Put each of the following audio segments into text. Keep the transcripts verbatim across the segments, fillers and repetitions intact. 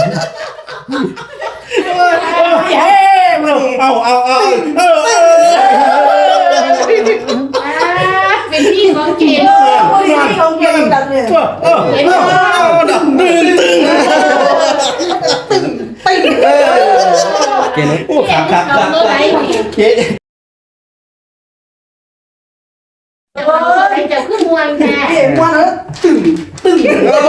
เฮ้มาดิเอาเอาเอาเอาเป็นที่ของเกณฑ์เป็นที่ของเกณฑ์ดังเลยเห็นไหมตึงตึงตึงตึงเกณฑ์โอ้ขาขาขาเจ๊ไปเจ้าขึ้นมวนแท้เจ๊มวนแล้วตึงตึง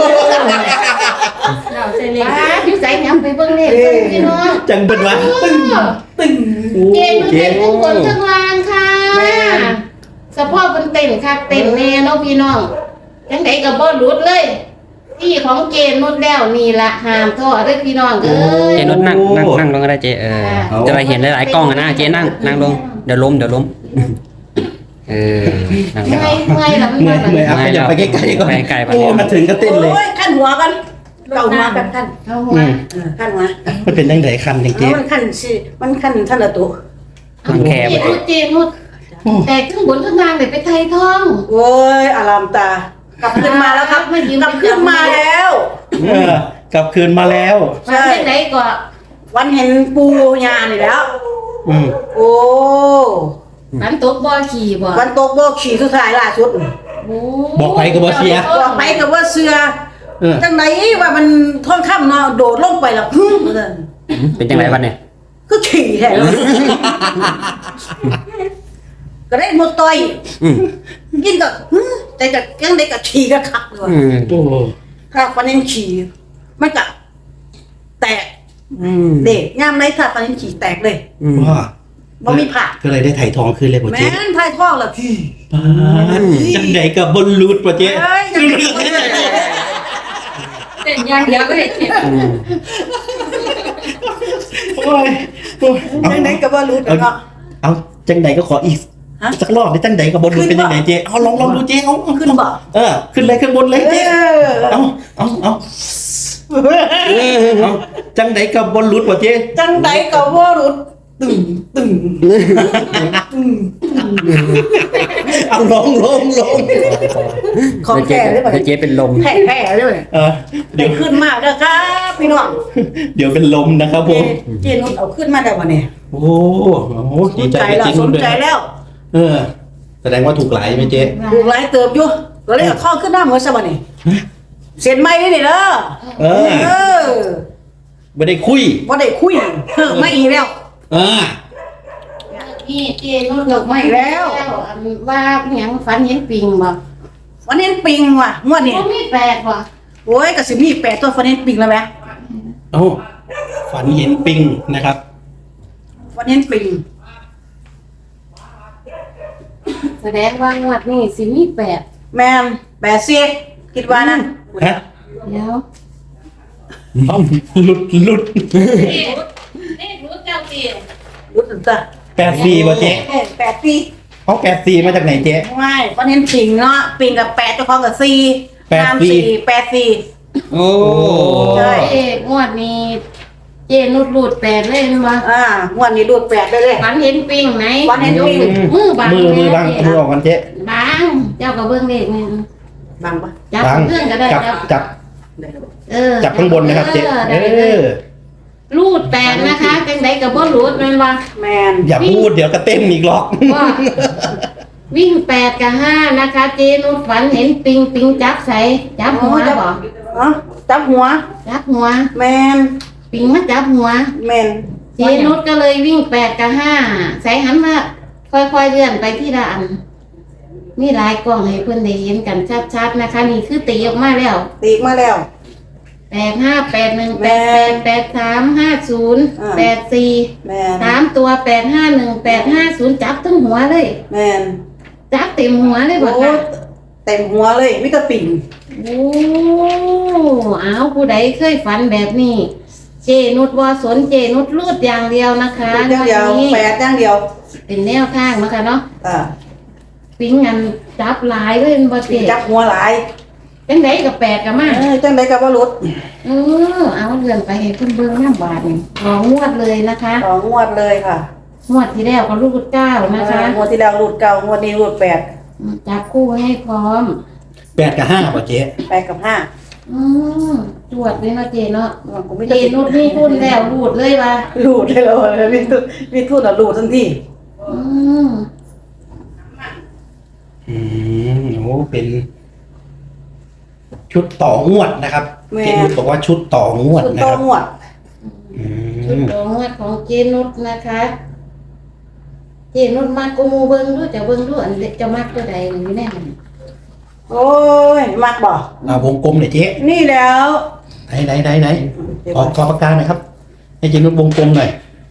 เราใส่เลยยิ้มใส่แหนมไปเบิ่งเลยพี่น้องจังเป็นวะตึงตึงเกณฑ์มันเป็นทุกคนทั้งลานค่ะสะโพกมันเต้นค่ะเต้นแน่เนาะพี่น้องจังไดก็บ่หลุดเลยที่ของเกณฑ์นุดแล้วนี่ละห้ามท้อเด้อพี่น้องเอ้ยเจนุดนั่งนั่งนั่งลงก็ได้เจเออจะไปเห็นหลายๆกล้องอะนะเจนั่งนั่งลงเดี๋ยวล้มเดี๋ยวล้มเออนั่งเมื่อยเมื่อยละเมื่อยเมื่อยอ่ะอย่าไปใกล้ๆก่อนใกล้ๆโอ้มาถึงก็เต้นเลยขั้นหัวกันเก่าหัวกันขั้นเอาหัวขั้นหัวมันเป็นยังไงคันจริงๆมันขั้นสิมันขั้นท่านละตัวมันแคบเจนุดเจนุดแต่ขึ้นบนขึ้นล่างเลยไปไทยท่องโอ้ยอารามตากลับขึ้นมาแล้วครับกลับขึ้นมาแล้วเออกลับคืนมาแล้วใช่ไหนก็วันเห็นปูยานี่แล้วอืมโอ้วันตกบ่อขี่บ่วันตกบ่ขี่สุดท้ายล่าสุดบอกไปกับว่าเสียบอกไปกับว่าเสือจังไหนว่ามันท่องค่ำเนาะโดดลงไปแล้วพึ่งเลยเป็นยังไงวันเนี่ยก็ขี่แท้เลยก็ได้หมดต่อยกินก็แต่ก็ยังได้กับขี่ก็ขับเลยโอ้ถ้าฟันเองขี่มันก็แตกเด็กย่ามไรถ้าฟันเองขี่แตกเลยว่าบ่มีผ่าก็เลยได้ไถ่ทองคืนเลยป่ะเจ๊แม่นไถ่ทองแล้วพี่จังไหนกับบนรูดป่ะเจ๊เต้นอย่างเดียวก็ได้เจ็บโอ้ยจังไหนกับบนรูดเนาะเอาจังไหนก็ขออีกสักรอบได้จังไหนกับบนรูดเป็นยังไงเจ๊เอาลองลองดูเจ๊เอาขึ้นบ่เออขึ้นเลยขึ้นบนเลยเจ๊เอาเอาเอาเอาจังไหนกับบนรูดป่ะเจ๊จังไหนกับบนรูดตึงตึงเอาลงลงลงของแก่เลยป่ะเจ๊เป็นลมแผ่แผ่เลยเออเดี๋ยวขึ้นมาแล้วครับพี่น้องเดี๋ยวเป็นลมนะครับผมเจนุชเอาขึ้นมาได้วันนี้โอ้โหดีใจจริงสนใจแล้วเออแสดงว่าถูกหลายไหมเจ๊ถูกหลายเติบอยู่ก็เลยเอาท่อขึ้นหน้าเหมือนสมัยนี้เสียนไม่ได้เด้อเออไม่ได้คุยไม่ได้คุยเพิ่มไม่อีกแล้วอ่านี่เจนุชเลิกไม่แล้วว่าหยังฝันเห็นปิงบ่วันนี้ปิงว่ะงวดนี้มีแปดว่ะโอ้ยกระสิมีแปดตัวฝันเห็นปิงแล้วไหมโอ้ฝันเห็นปิงนะครับฝันเห็นปิงแสดงว่างวดนี้สิมีแปดแม่แปดเสียคิดว่านั่นฮะเดี๋ยวหลุดหลุดนี่รู้เจ้าตีรู้สึกจ้ะแปดสี่ป่ะเจ๊แปดสี่เขาแปดสี่มาจากไหนเจ๊ไม่ฝันเห็นปิงเนาะปิงกับแปดเจ้าของกับสี่แปดสี่แปดสี่โอ้ใช่งวดนี้เจนุชรูดแปดเลยนะวะอ่างวดนี้รูดแปดได้เลยฝันเห็นปิงไหนฝันเห็นปิงมือบางมือมือบางมือออกกันเจ๊บางเจ้ากับเบื้องเด็กนี่บางปะจับเพื่อนก็ได้จับจับเออจับข้างบนนะครับเจ๊เออรูดแปดนะคะจังไดกับบ่รูดแม่นว่าแมนอย่าพูดเดี๋ยวก็เต้นอีกหรอกวิ่งแปดกับห้านะคะเจนุชฝันเห็นปิงปิงจับใส่จับหัวบ่อ๋อจับหัวจับหัวแมนปิงมาจับหัวแมนเจนุชก็เลยวิ่งแปดกับห้าใส่หันมาค่อยๆเลื่อนไปที่ละอันมีหลายกล้องให้เพื่อนได้เห็นกันชัดๆนะคะนี่คือตีออกมาแล้วตีมาแล้วแปดห้าแปดหนึ่งแปดแปดแปดสามห้าศูนย์แปดสี่สามตัวแปดห้าหนึ่งแปดห้าศูนย์จับทั้งหัวเลยแมนจับเต็มหัวเลยบ่คะเต็มหัวเลยมิตรปิ่งโอ้เอาผู้ใดเคยฝันแบบนี้เจนุชว่าสนเจนุชรูดอย่างเดียวนะคะอย่างเดียวแปดอย่างเดียวเป็นแนวข้างนะคะเนาะอ่าปิ้งงันจับหลายเลยบ่เจจับหัวหลายจังไดกับแปดกับมาเออจังไดกับบ่หลุดเออเอาเลื่อนไปให้เพิ่นเบิ่งน้ำบาดนี่ของงวดเลยนะคะของงวดเลยค่ะงวดที่แล้วก็รูดเก้านะคะงวดที่แล้วรูดเก้างวดนี้รูดแปดจับคู่ให้พร้อมแปดกับห้าป่ะเจ๊แปดกับห้าอืมจวดเลยเนาะเจเนาะกูไม่เจได้นุดนี่ทุนแล้วรูดเลยว่ะหลุดเลยเลยมีทุนมีทุนอ่ะหลุดทันทีอืมอืมโอ้เป็น ชุดต่องวดนะครับเจนุชบอกว่าชุดต่องวดชุดนะต่อครับงวดอืชุดมดอกงวดของเจนุดนะคะ เจนุดมากกูมูเบิ้งดูจะเบิ้งดูอันเด็กจะมากตัวใดนี่แน่มันโอ้ยมักบ่อ่าวงกลมหน่อยเจ๊นี่แล้วไหนไหนไหนไหนขอขอปากกาหน่อยครับ ให้เจนุชวงกลมหน่อย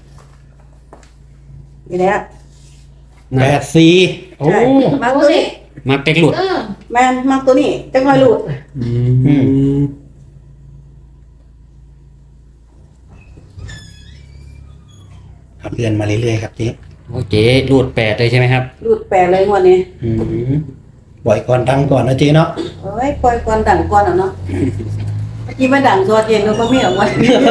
นี่แล้วแปดสี่โอ้ใช่มักตัวนี้มาเป็กหลุดเออแมนมักตัวนี้จังหวะหลุดอืมครับเลื่อนมาเรื่อยๆครับเจ๊โอเคหลุดแปดเลยใช่ไหมครับหลุดแปลเลยงวดนี้อืมปล่อยก่อนดังก่อนนะเจ๊เนาะเอ้ยปล่อยก่อนดังก่อนอ่ะเนาะเมื่อกี้มาดังตัวเย็นแล้วก็ไม่ออกมา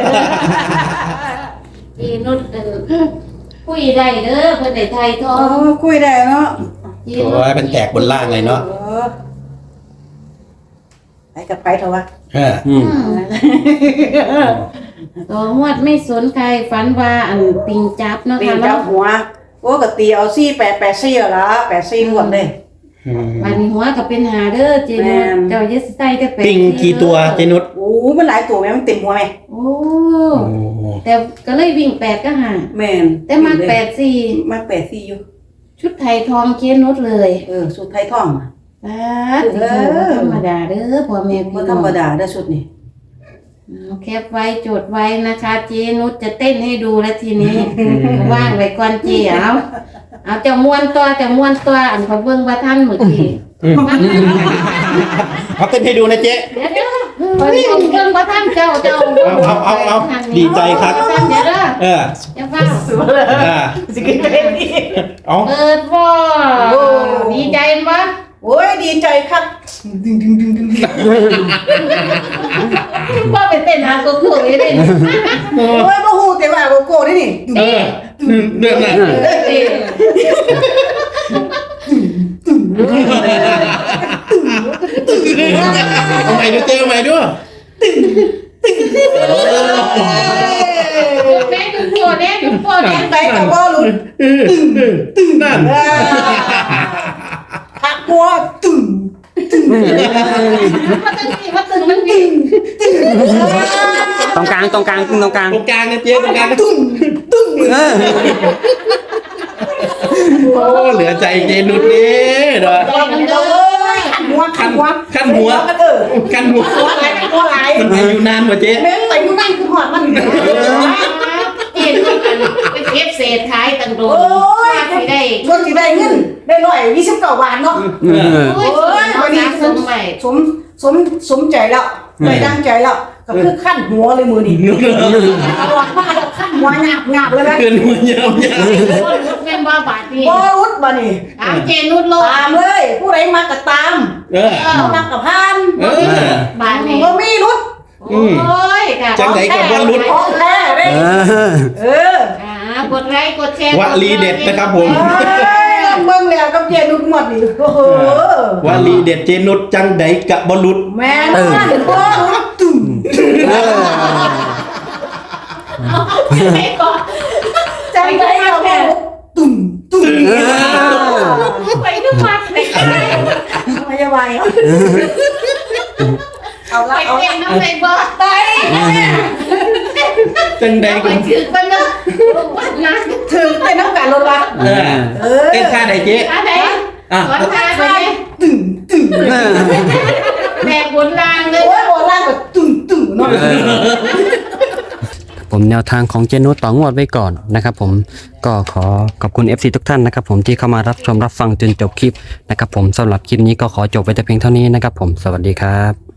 เจนุดเออคุยได้เด้อเพิ่นได้ไทยทอโอ้งคุยได้เนาะเจโอ้นุดยเป็นแตกบนล่างเลยเนาะเออไปกับไปเถอะวะเอออืมตัวงวดไม่สนใครฝันว่าอันปิงจับเนาะตีค่ะเจ้าเนาะหัวโอ้ก็ตีเอาซี่แปดแปดซี่ละแปดซี่หมดเลยอืมวันนี้หัวก็เป็นหาเด้อเจนุแม่ดนเจ้าอย่าสิใส่แต่เป็ดปิงกี่ตัวเจนุชโอ้มันหลายตัวแม่มันเต็มหัวไหมโอ้โอ้แต่ก็เลยวิ่งแปดก็หาแม่นแต่มาแปดสี่มาแปดซี่อยู่ชุดไทยทองเจนุดเลยเออสุดไทยท่องอะป้าดเออธรรมดาเด้อพ่อแม่พี่บ่น้ธรองรมดาเด้อชุดนี้เอาแคปไว้จดไว้นะคะ เจนุชจะเต้นให้ดูแล้วทีนี้ ว่างไว้ก่อนเจีเอาเอาจะม้วนตัวจะม้วนตัวอันเขาเบิ่งว่าท่านเมื่อกี้เอาเต้นให้ดูนะเจ๊เดี๋ยวเดี๋ยวเพิ่นเบิ่งว่าท่านเจ้าเจ้าเอาเอาเอาดีใจครับท่านเดี๋ยวเด้อเอออย่าฟังสวยเลยอ่าสิกินเต็มที่เอาเปิดบ่ดีใจมั้ยโอ้ยดีใจครับดึงดึงดึงดึงดึงบ่ไปเต้นหาโกโก้เลยเด้โอ้ยบ่ฮู้แต่ว่าโกโก้นี่นี่เออเรื่องน่ะเด้เอาใหม่ดูเจ๊เอาใหม่ด้วยแม่ดูพ่อแม่ดูพ่อแม่ไปกับบ่หลุดนั่นหักหัวตึงมาตึงนี่มาตึงมันนี่ตรงกลางตรงกลางตรงกลางตรงกลางนะเจ๊ตรงกลางนะเออโอ้เหลือใจเจนุชนี่เด้อมันเด้อขันหัวขันหัวขั้นหัวกันเออกันหัวหัวไหลหัวไหลมันอายุนานกว่าเจ๊แม่งไปอยู่นั่นคือหัวมันเห็นมันไปเก็บเศษท้ายตังโดนโอ้ยสิได้รถสิได้เงินได้ร้อยยี่สิบเก้าบาทเนาะเออโอ้ยโอ้ยวัวัน นนี้นี้สมใหม่สมสมสมใจแล้วใจดังใจแล้วก็คือขั้นหัวเลยมือนี่เอาออกมาแล้วขั้นหัวหยาบหยาบเลยนะเกินหัวยาวยาวแม่นว่าบาทนี่บอรุดบ่นี่ตามเจนุดโลตามเลยผู้ใดมาก็ตามเออผู้มากับพานเออบาทนี่บ่มีรุดโอ้ยค่ะจังไหนกับบอลลุดของแท้เด้เออเอออ่ากดไลค์กดแชร์วลีเด็ดนะครับผมเอ้ยเบิ่งแล้วกับเจนุดหมดนี่โอ้โหวลีเด็ดเจนุชจังไดกะบอลลุดแม่นบ่รุดตุ่มเออให้ก่อนจังได๋เอาแม่ตุ่มตุ่มเออไปทุกวันไปไม่จะไหวเอาละไปเอาเต้นน้ำในบ่อไปจังไดไปกะถือกันเนาะวันนะถึงไปน้ำกันรถละเออเออเต้นท่าไหนเจ๊อะไรอ่ะสอนทางไปไหมตึงตึงเออแบกบนรางเลยโอ้ยโบราณแบบตึงตึงเนาะผมแนวทางของเจนุสต่องวดไว้ก่อนนะครับผมก็ขอขอบคุณ เอฟ ซี ทุกท่านนะครับผมที่เข้ามารับชมรับฟังจนจบคลิปนะครับผมสำหรับคลิปนี้ก็ขอจบไว้แต่เพียงเท่านี้นะครับผมสวัสดีครับ